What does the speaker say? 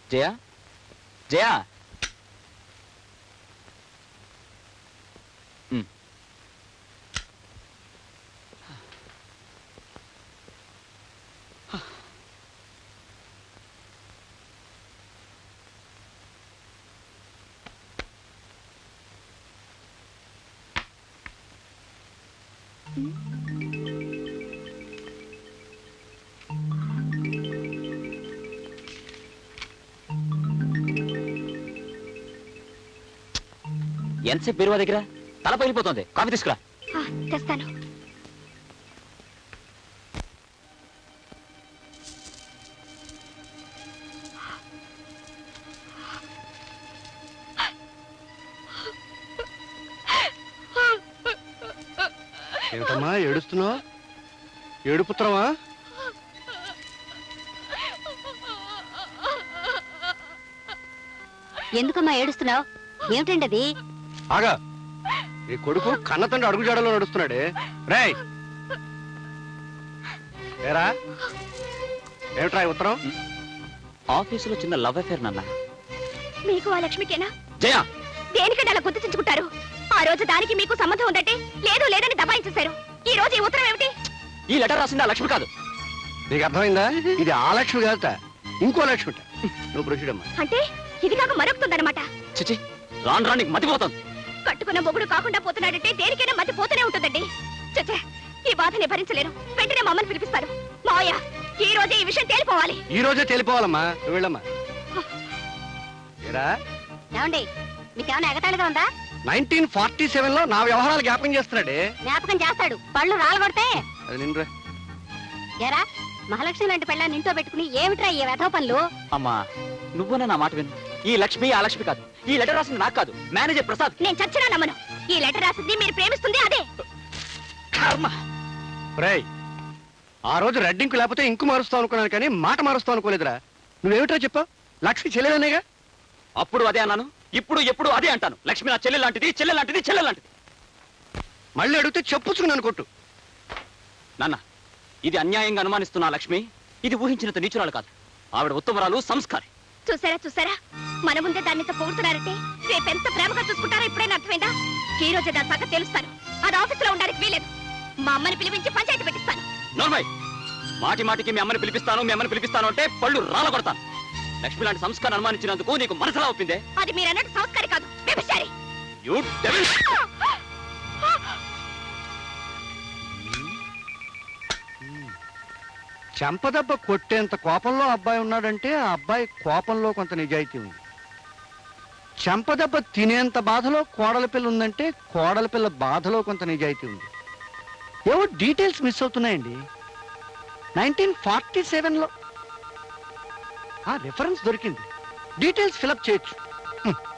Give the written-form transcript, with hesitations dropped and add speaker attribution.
Speaker 1: జయా జయా ఎంతసేపు బీరువా దగ్గర తల పగిలిపోతుంది. కాఫీ తీసుకురా.
Speaker 2: తెస్తాను.
Speaker 3: ఏమిటమ్మా ఏడుస్తున్నావు? ఏడుపుత్రమా?
Speaker 2: ఎందుకమ్మా ఏడుస్తున్నావు? ఏమిటండి అది?
Speaker 3: ఆగా, ఈ కొడుకు కన్న తండ్రి అడుగు జాడలో నడుస్తున్నాడే. రేయ్ ఏరా, ఏమిట్రా ఈ ఉత్తరం?
Speaker 1: ఆఫీసులో చిన్న లవ్ అఫేర్ నాన్న.
Speaker 2: మీకు ఆ లక్ష్మికేనా?
Speaker 1: జయా,
Speaker 2: దేనికంటే అలా గుర్తించుకుంటారు? ఆ రోజు దానికి మీకు సంబంధం ఉందంటే లేదు లేదని దబాయించేశారు. ఈ రోజు ఈ ఉత్తరం ఏమిటి?
Speaker 1: ఈ లెటర్ రాసింది ఆ లక్ష్మి కాదు.
Speaker 3: నీకు అర్థమైందా? ఇది ఆ లక్ష్మి కాదట, ఇంకో లక్ష్మి. నువ్వు ప్రొసీడమ్మా.
Speaker 2: అంటే ఇది కాక మరొకుతుందన్నమాట.
Speaker 1: చిచి, రాను రానికి మతిపోతుంది.
Speaker 2: కట్టుకున్న మొగుడు కాకుండా పోతున్నాడంటే దేనికైనా మతి పోతూనే ఉంటుందండి. చచ్చే, ఈ బాధని భరించలేను. వెంటనే మా అమ్మని పిలిపిస్తాను. మావయ్య, ఈ రోజే ఈ విషయం తేలిపోవాలి.
Speaker 3: ఈ రోజే తేలిపోవాలమ్మా. నువ్వు వెళ్ళమ్మా. ఏరా,
Speaker 2: ఏమండి, మీకేమైనా ఎగతాళిగా ఉందా?
Speaker 3: 1947లో నా వ్యవహారాలు జ్ఞాపకం చేస్తున్నాడే.
Speaker 2: జ్ఞాపకం చేస్తాడు, పళ్ళు రాలగొడితే.
Speaker 3: అది నిన్నురా.
Speaker 2: ఏరా, మహాలక్ష్మి లాంటి పెళ్ళ నింటో పెట్టుకుని ఏమిట్రా ఈ వెధవ పనులు?
Speaker 1: అమ్మా, నువ్వునే నా మాట విను. ఈ లక్ష్మి ఆ లక్ష్మి కాదు. ఈ లెటర్ రాసింది నాకు కాదు, మేనేజర్ ప్రసాద్.
Speaker 2: నేను చచ్చినా నమ్మను. ఈ లెటర్ రాసింది మీరు ప్రేమిస్తుంది అదే.
Speaker 1: కర్మ.
Speaker 3: రేయ్, ఆ రోజు రెడ్డింకు లేకపోతే ఇంకు మారుస్తావు అనుకున్నాను, కానీ మాట మారుస్తావు అనుకోలేదురా. నువ్వేమిట్రా చెప్పావు? లక్ష్మి చెల్లెలనేగా.
Speaker 1: అప్పుడు అదే అన్నాను, ఇప్పుడు ఎప్పుడు అదే అంటాను. లక్ష్మి నా చెల్లె లాంటిది, చెల్లె లాంటిది, చెల్లె లాంటిది.
Speaker 3: మళ్ళీ అడిగితే చెప్పుచ్చుకున్నాను కొట్టు.
Speaker 1: నాన్న, ఇది అన్యాయంగా అనుమానిస్తున్న లక్ష్మి ఇది ఊహించినంత నీచురాలు కాదు. ఆవిడ ఉత్తమరాలు, సంస్కారి.
Speaker 2: చూసారా చూసారా, మన ముందే దాన్ని పొగుడుతున్నారంటే రేపెంత ప్రేమగా చూసుకుంటారో ఇప్పుడైనా అర్థమైందా? ఈ రోజే దాని సంగతి తెలుస్తాను. అది ఆఫీసులో ఉండడానికి వీలేదు. మా అమ్మని పిలిపించి పంచాయతీ పెట్టిస్తాను.
Speaker 1: నోర్మయ్, మాటి మాటికి మీ అమ్మని పిలిపిస్తాను అంటే పళ్ళు రాల కొడతాను. లక్ష్మి లాంటి సంస్కారం అనుమానించినందుకు నీకు మనసులా ఒప్పిందే?
Speaker 2: అది మీరన్నట్టు సంస్కారి కాదు, వ్యభిచారి.
Speaker 1: You devil!
Speaker 3: చెంపదెబ్బ కొట్టేంత కోపంలో అబ్బాయి ఉన్నాడంటే ఆ అబ్బాయి కోపంలో కొంత నిజాయితీ ఉంది. చెంపదెబ్బ తినేంత బాధలో కోడల పిల్ల ఉందంటే కోడల పిల్ల బాధలో కొంత నిజాయితీ ఉంది. ఏవో డీటెయిల్స్ మిస్ అవుతున్నాయండి. 1947లో ఆ రిఫరెన్స్ దొరికింది. డీటెయిల్స్ ఫిలప్ చేయొచ్చు.